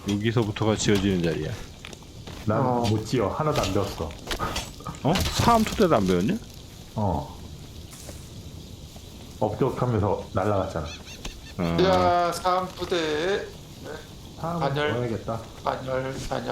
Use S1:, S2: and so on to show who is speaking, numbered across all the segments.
S1: 여기서부터가 지어지는 자리야.
S2: 난 못 지어. 하나도 안 배웠어.
S1: 어? 사암토 때도 안 배웠냐?
S2: 업적하면서 날라갔잖아.
S3: 야, 사암부대
S2: 다음은
S3: 반열.
S2: 배워야겠다.
S3: 반열.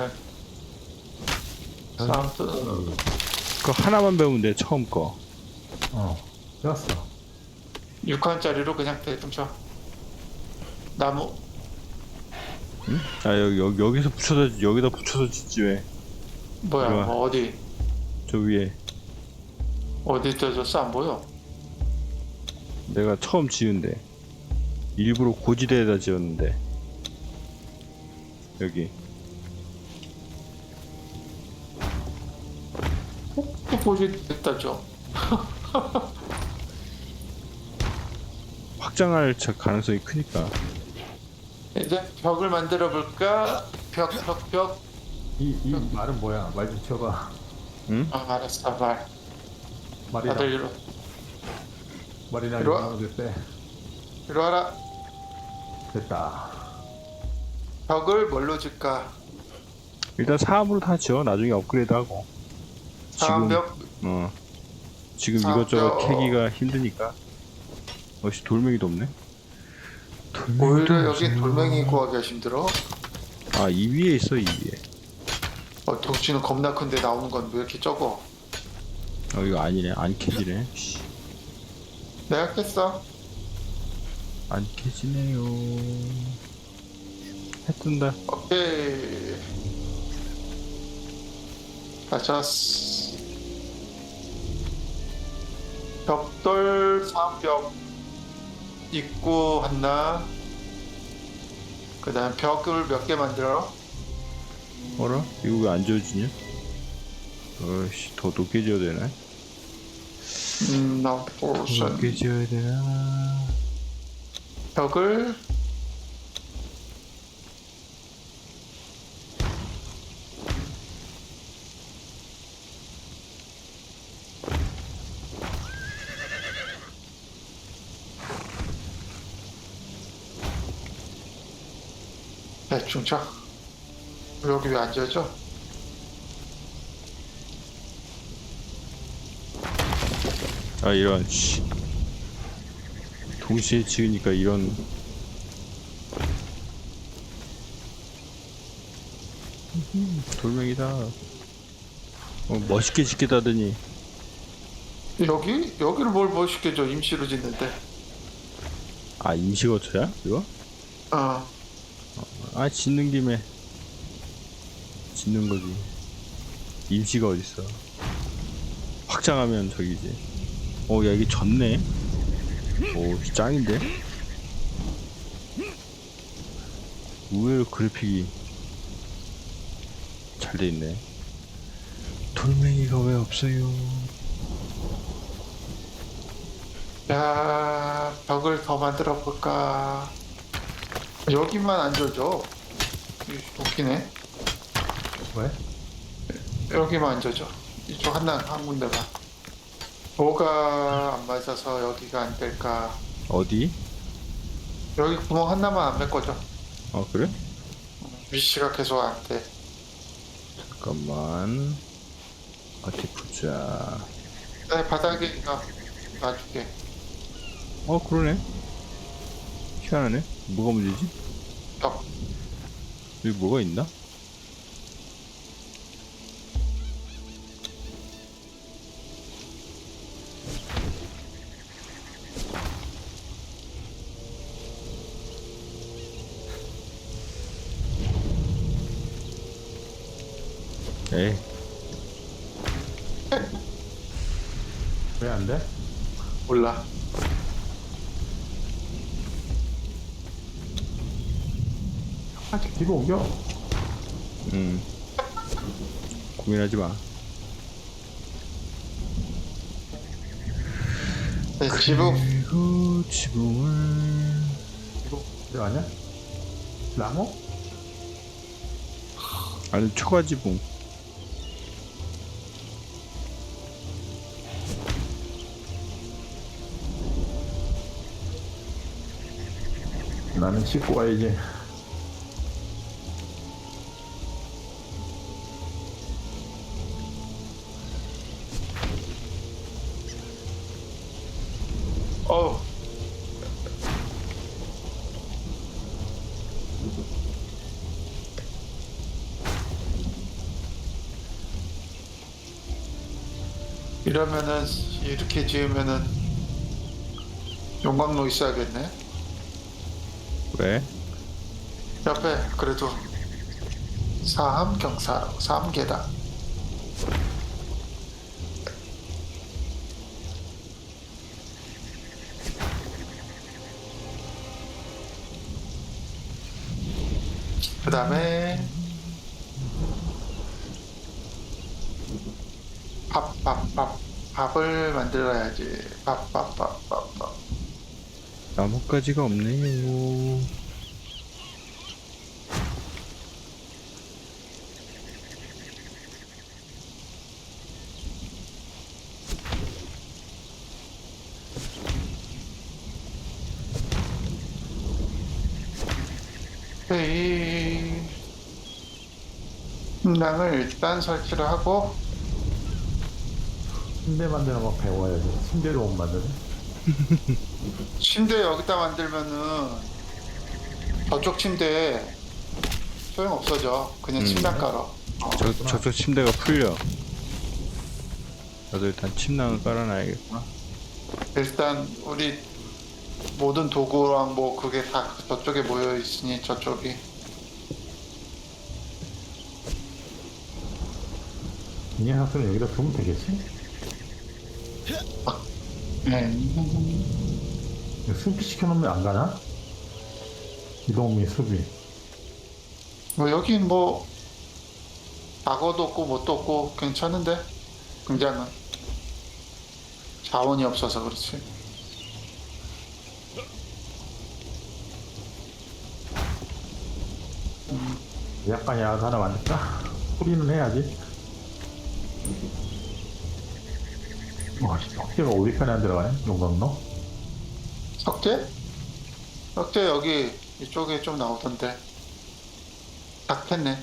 S3: 사암부
S1: 그거 하나만 배우면 돼, 처음 거.
S2: 배웠어.
S3: 6칸짜리로 그냥 대충 쳐. 나무.
S1: 응? 아, 여기서 붙여서, 여기다 붙여서 짓지, 왜.
S3: 뭐야,
S1: 이리 와.
S3: 뭐 어디
S1: 저 위에.
S3: 쪄졌어? 안 보여.
S1: 내가 처음 지은데. 일부러 고지대에다 지었는데. 여기.
S3: 또 보지 됐다죠.
S1: 확장할 가능성이 크니까.
S3: 이제 벽을 만들어 볼까? 벽.
S2: 이 말은 뭐야? 말 좀 치워봐.
S1: 응?
S3: 아, 알았어, 말.
S2: 말이나
S3: 다들 이리
S2: 말이나
S3: 이리 와.
S2: 이거 됐대.
S3: 이리 와라.
S2: 됐다.
S3: 벽을 뭘로 짓까?
S1: 일단 사암으로 다 지어. 나중에 업그레이드하고.
S3: 사암벽.
S1: 지금
S3: 사암벽.
S1: 이것저것 캐기가 힘드니까. 어씨, 돌멩이도 없네.
S3: 오히려 여기 돌멩이 구하기가 힘들어.
S1: 아, 이 위에 있어, 이 위에.
S3: 덕지는 겁나 큰데 나오는 건 왜 이렇게 적어?
S1: 이거 아니네. 안 캐지네. 씨,
S3: 내가 깼어.
S1: 안 캐지네요. 해 뜬다.
S3: 오케이. 가자스. 벽돌 사암벽 입구 하나. 그 다음 벽을 몇 개 만들어.
S1: 어라? 이거 왜 안 지워지냐? 어이씨, 더 높게 지어야 되나?
S3: 나 포션.
S1: 높게 지어야 되나?
S3: 벽을 대충 쳐. 여기 왜 안 지어져?
S1: 아, 이런, 씨. 동시에 지으니까 이런. 돌멩이다. 멋있게 짓겠다더니.
S3: 여기를 뭘 멋있게 줘. 임시로 짓는데.
S1: 아, 임시거처야? 이거? 아, 짓는 김에 짓는 거지. 임시가 어딨어. 확장하면 저기지. 야, 이게 졌네. 오, 짱인데? 의외로 그래픽이 잘 돼 있네. 돌멩이가 왜 없어요?
S3: 야, 벽을 더 만들어 볼까? 여기만 안 져줘. 웃기네.
S2: 왜?
S3: 여기만 안 져줘. 이쪽 한 군데만. 뭐가 안 맞아서 여기가 안 될까?
S1: 어디?
S3: 여기 구멍 하나만 안 메꿔줘.
S1: 그래?
S3: 위치가 계속 안 돼.
S1: 잠깐만. 어디 보자.
S3: 바닥에 놔줄게.
S1: 그러네. 희한하네. 뭐가 문제지?
S3: 벽.
S1: 여기 뭐가 있나? 에이,
S2: 왜 안 돼?
S3: 몰라.
S2: 뒤로 옮겨.
S1: 고민하지 마.
S3: 네, 지붕.
S1: 그리고 지붕을
S2: 이거 들어가냐? 나무?
S1: 아니, 초과 지붕.
S2: 나는 씻고 와야지.
S3: 어우. 이러면은 이렇게 지으면은 용광로 있어야겠네.
S1: 왜?
S3: 옆에 그래도 사함경사라고 3계단. 그 다음에 밥을 만들어야지. 밥.
S1: 나뭇가지가 없네요.
S3: 이 식당을 일단 설치를 하고.
S2: 침대 만드는 거 배워야지. 침대로 못 만드네.
S3: 침대 여기다 만들면은 저쪽 침대에 소용 없어져. 그냥 침낭 깔아.
S1: 저쪽 침대가 풀려. 나도 일단 침낭을 깔아놔야겠구나.
S3: 일단 우리 모든 도구랑 뭐 그게 다 저쪽에 모여 있으니 저쪽이.
S2: 이 녀석들은 여기다 두면 되겠지?
S3: 네.
S2: 수비 시켜놓으면 안 가나? 이동미 수비.
S3: 뭐 여긴 뭐 악어도 없고 뭣도 없고 괜찮은데 굉장은 자원이 없어서 그렇지.
S2: 약간 야간 하나 만들까? 소리는 해야지. 석재가 어디 편에 안 들어가네? 용광로?
S3: 석재? 석재 여기 이쪽에 좀 나오던데. 딱 폈네.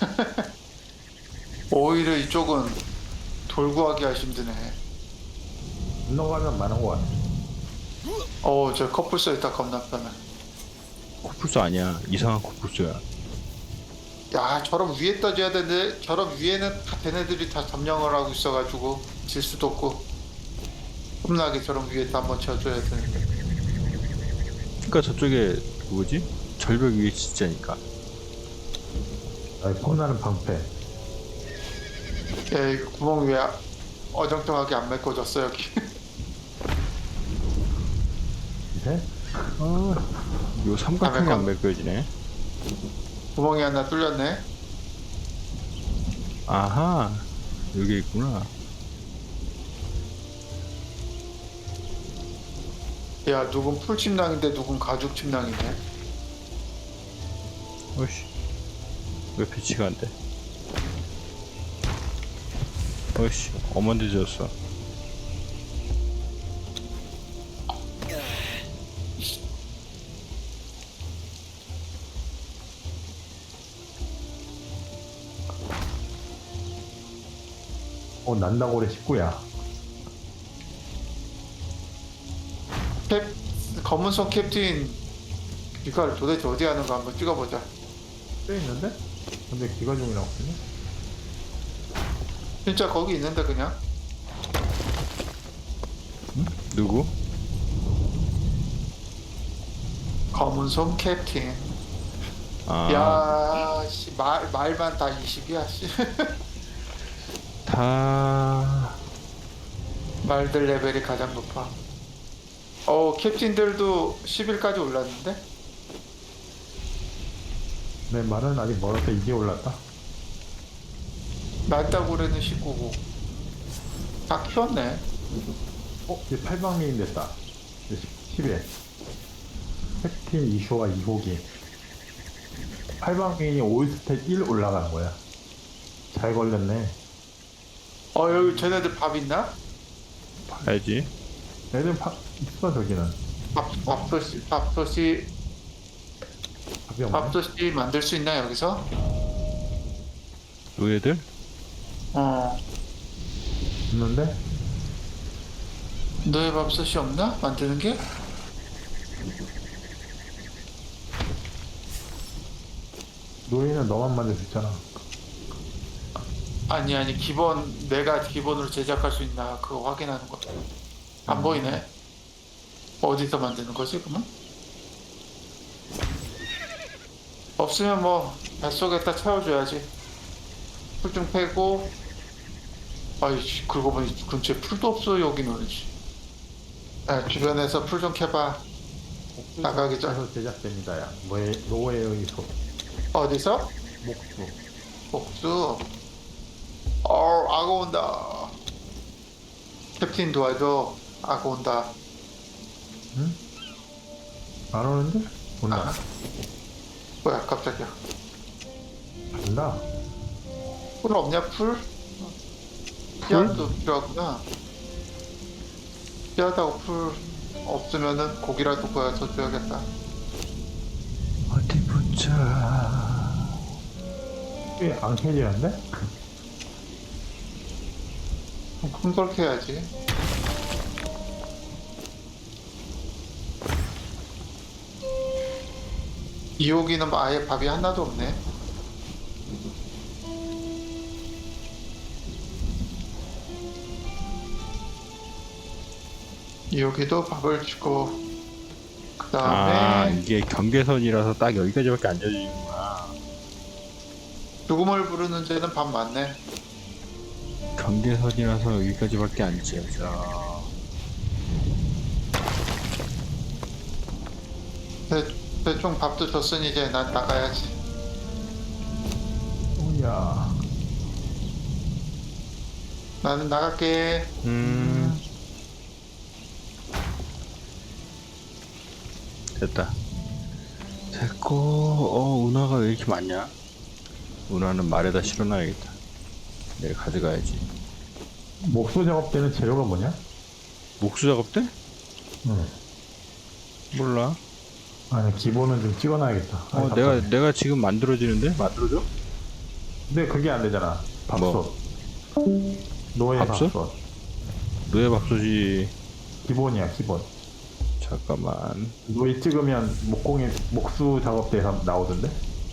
S3: 오히려 이쪽은 돌 구하기가 힘드네.
S2: 건너가면 많은 것 같아.
S3: 저 커플서 있다 겁나 편해.
S1: 코뿔소 아니야. 이상한 코뿔소야.
S3: 야, 저럼 위에 떠줘야 되는데 저럼 위에는 다 걔네들이 다 점령을 하고 있어가지고 질 수도 없고. 험나게 저럼 위에다 한번 쳐줘야 되는데.
S1: 그러니까 저쪽에 뭐지? 절벽 위에 진짜니까.
S2: 아니, 폼나는 방패.
S3: 야, 이거 구멍 왜 어정쩡하게 안 메꿔졌어 여기.
S2: 밑에?
S1: 요 삼각형이
S3: 아,
S1: 안 매겨지네.
S3: 구멍이 하나 뚫렸네.
S1: 아하, 여기 있구나.
S3: 야, 누군 풀 침낭인데 누군 가죽 침낭이네.
S1: 어이씨, 왜 배치가 안 돼? 어이씨, 어만들졌어.
S2: 난다고래 식구야.
S3: 검은손 캡틴 이걸 도대체 어디 하는가 한번 찍어보자.
S2: 뼈 있는데? 근데 기가종이라고 쓰네?
S3: 진짜 거기 있는데 그냥.
S1: 누구?
S3: 검은손 캡틴.
S1: 아,
S3: 야, 씨, 말만 다 20이야, 씨.
S1: 다
S3: 말들 레벨이 가장 높아. 캡틴들도 10일까지 올랐는데?
S2: 내 말은 아직 멀어서 이제 올랐다.
S3: 날다구레는 19고. 다 키웠네.
S2: 이제 8방미인 됐다. 10에. 팩팀 이슈와 2호기. 8방미인이 5스택 1 올라가는 거야. 잘 걸렸네.
S3: 여기 쟤네들 밥 있나?
S1: 봐야지.
S2: 애들 있어, 저기는.
S3: 밥솥이
S2: 밥이 없네.
S3: 밥솥이 만들 수 있나 여기서?
S1: 노예들?
S2: 있는데?
S3: 너의 밥솥이 없나? 만드는 게?
S2: 노예는 너만 만들 수 있잖아.
S3: 아니 기본 내가 기본으로 제작할 수 있나 그거 확인하는 거. 안 보이네. 어디서 만드는 거지 그러면? 없으면 뭐 뱃속에다 채워줘야지. 풀 좀 패고. 아이 그러고 보니 근처에 풀도 없어 여기는. 아, 주변에서 풀 좀 캐봐. 나가기 전.
S2: 목수에서 제작됩니다. 야. 노예의 소.
S3: 어디서?
S2: 목수.
S3: 복수. 악어 온다. 캡틴 도와줘. 악어 온다.
S2: 응? 안 오는데? 온다.
S3: 아. 뭐야 갑자기야.
S2: 간다.
S3: 풀 없냐 풀? 씨앗도 필요하구나. 씨앗하고 풀 없으면은 고기라도 구해서 줘야겠다.
S1: 어디 보자.
S2: 꽤안 캐지는데?
S3: 큰걸 캐야지. 이호기는 아예 밥이 하나도 없네. 이호기도 밥을 주고 그
S1: 아
S3: 다음에
S1: 이게 경계선이라서 딱 여기까지밖에 안 져지는구나.
S3: 죽음을 부르는 데는 밥 많네.
S1: 경계선이라서 여기까지밖에 안 져져.
S3: 대충 밥도 줬으니 이제 난 나가야지.
S2: 오야.
S3: 나는 나갈게.
S1: 됐다. 됐고 운하가 왜 이렇게 많냐? 운하는 말에다 실어놔야겠다. 내일 가져가야지.
S2: 목수 작업 때는 재료가 뭐냐?
S1: 목수 작업 때?
S2: 응.
S1: 몰라.
S2: 아니 기본은 좀 찍어놔야겠다. 아니,
S1: 내가 지금 만들어지는데? 만들어줘?
S2: 근데 그게 안 되잖아. 밥솥.
S1: 뭐?
S2: 노예
S1: 밥솥?
S2: 밥솥.
S1: 노예 밥솥이
S2: 기본이야 기본.
S1: 잠깐만.
S2: 노예 찍으면 목수 작업대에서 나오던데?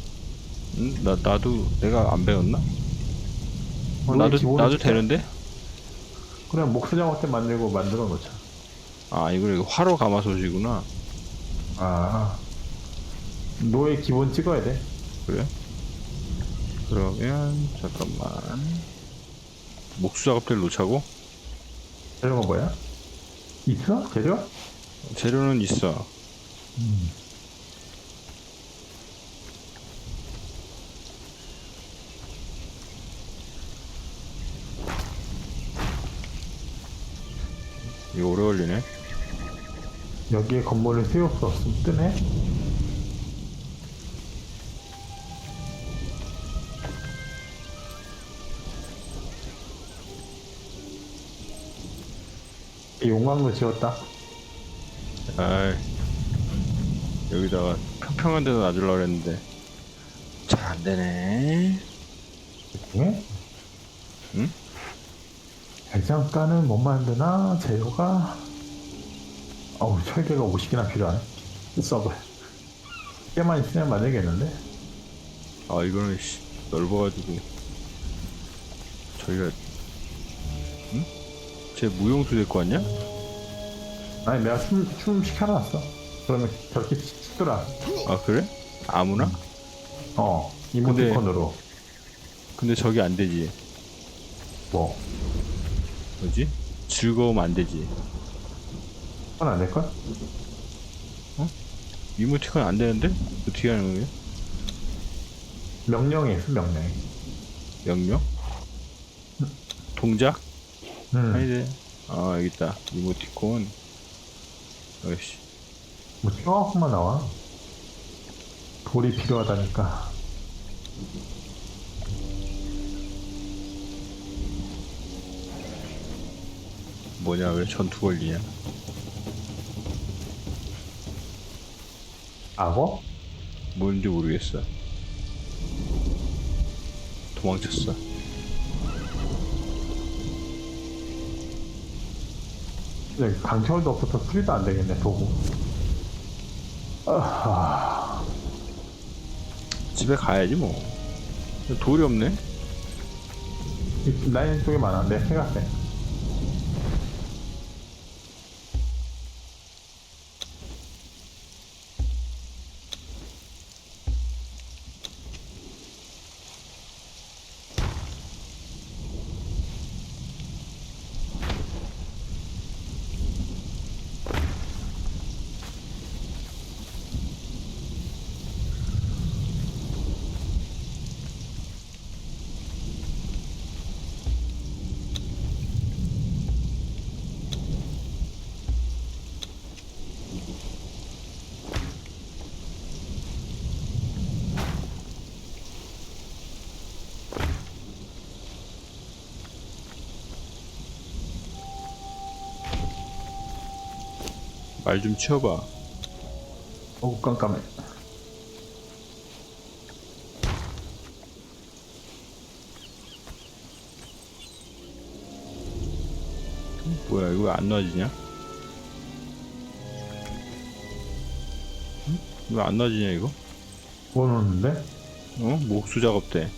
S1: 나도 내가 안 배웠나?
S2: 노예 기본은
S1: 나도
S2: 진짜-
S1: 되는데?
S2: 그냥 목수 작업대 만들어 놓자.
S1: 아 이거 화로 가마솥이구나.
S2: 아 노예 기본 찍어야 돼.
S1: 그래? 그러면 잠깐만. 목수 작업대를 놓자고?
S2: 재료가 뭐야? 있어? 재료?
S1: 재료는 있어. 이거 오래 걸리네.
S2: 여기에 건물을 세울 수 없으면 뜨네? 용광로 지었다.
S1: 아이, 여기다가 평평한 데서 놔주려고 그랬는데 잘 안 되네.
S2: 예?
S1: 응?
S2: 대장간은 못 만드나? 재료가? 어우, 철개가 50개나 필요하네. 써봐. 꽤만 있으면 만들겠는데?
S1: 아 이거는 넓어가지고 저희가 응? 쟤 무용수 데리고 왔냐?
S2: 아니, 내가 춤 시켜놨어. 그러면 저렇게 추더라.
S1: 아 그래? 아무나?
S2: 이모티콘으로.
S1: 근데 저기 안 되지.
S2: 뭐,
S1: 뭐지? 즐거움 안 되지.
S2: 그건 안 될걸?
S1: 이모티콘 안 되는데? 어떻게 하는 거예요?
S2: 명령이 있어, 명령이.
S1: 명령? 동작?
S2: 음.
S1: 아니네. 아 여기 있다. 이모티콘. 어이씨.
S2: 뭐, 조금만 나와. 돌이 필요하다니까.
S1: 뭐냐 왜 전투 걸리냐?
S2: 악어?
S1: 뭔지 모르겠어. 도망쳤어.
S2: 근데 강철도 없어서 수리도 안 되겠네, 도구. 아하.
S1: 집에 가야지 뭐. 돌이 없네.
S2: 라인 쪽에 많았는데, 해가 세.
S1: 말 좀 치워봐.
S2: 어우, 깜깜해.
S1: 뭐야 이거 왜 안 놔지냐? 응? 왜 안 놔지냐 이거?
S2: 뭐 넣었는데?
S1: 어? 목수 작업 때.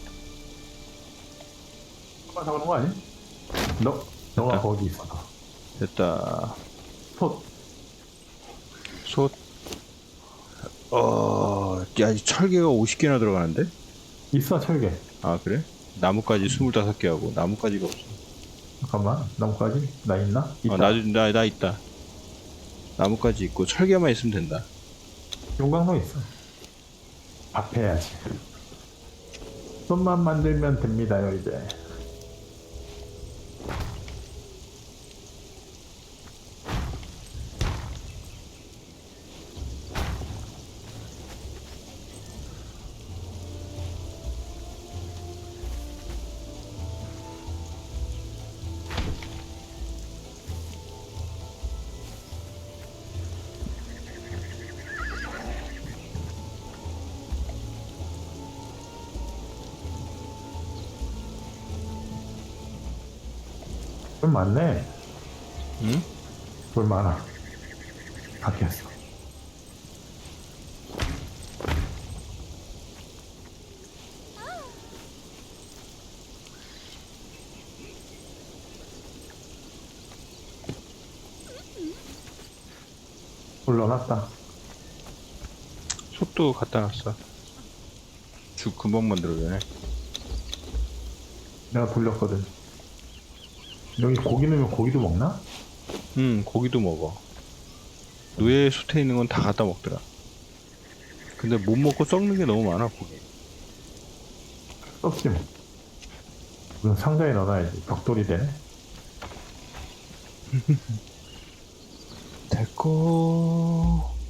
S2: 한번 잡는 거 아니? 너가
S1: 됐다.
S2: 거기 있어.
S1: 됐다.
S2: 소,
S1: 솥. 야, 이 철개가 50개나 들어가는데?
S2: 있어, 철개.
S1: 아, 그래? 나뭇가지 25개 하고, 나뭇가지가 없어.
S2: 잠깐만, 나뭇가지? 나 있나? 있다.
S1: 나 있다. 나뭇가지 있고, 철개만 있으면 된다.
S2: 용광로 있어. 밥 해야지. 손만 만들면 됩니다요, 이제. 돌 많네.
S1: 응?
S2: 돌 많아. 바뀌었어. 돌 넣어놨다.
S1: 솥도 갖다 놨어. 죽 금방 만들어내네.
S2: 내가 돌렸거든. 여기 고기 넣으면 고기도 먹나?
S1: 응, 고기도 먹어. 노예 솥에 있는 건 다 갖다 먹더라. 근데 못 먹고 썩는 게 너무 많아, 고기.
S2: 썩지 뭐. 이건 상자에 넣어놔야지. 벽돌이 되네.
S1: 됐고.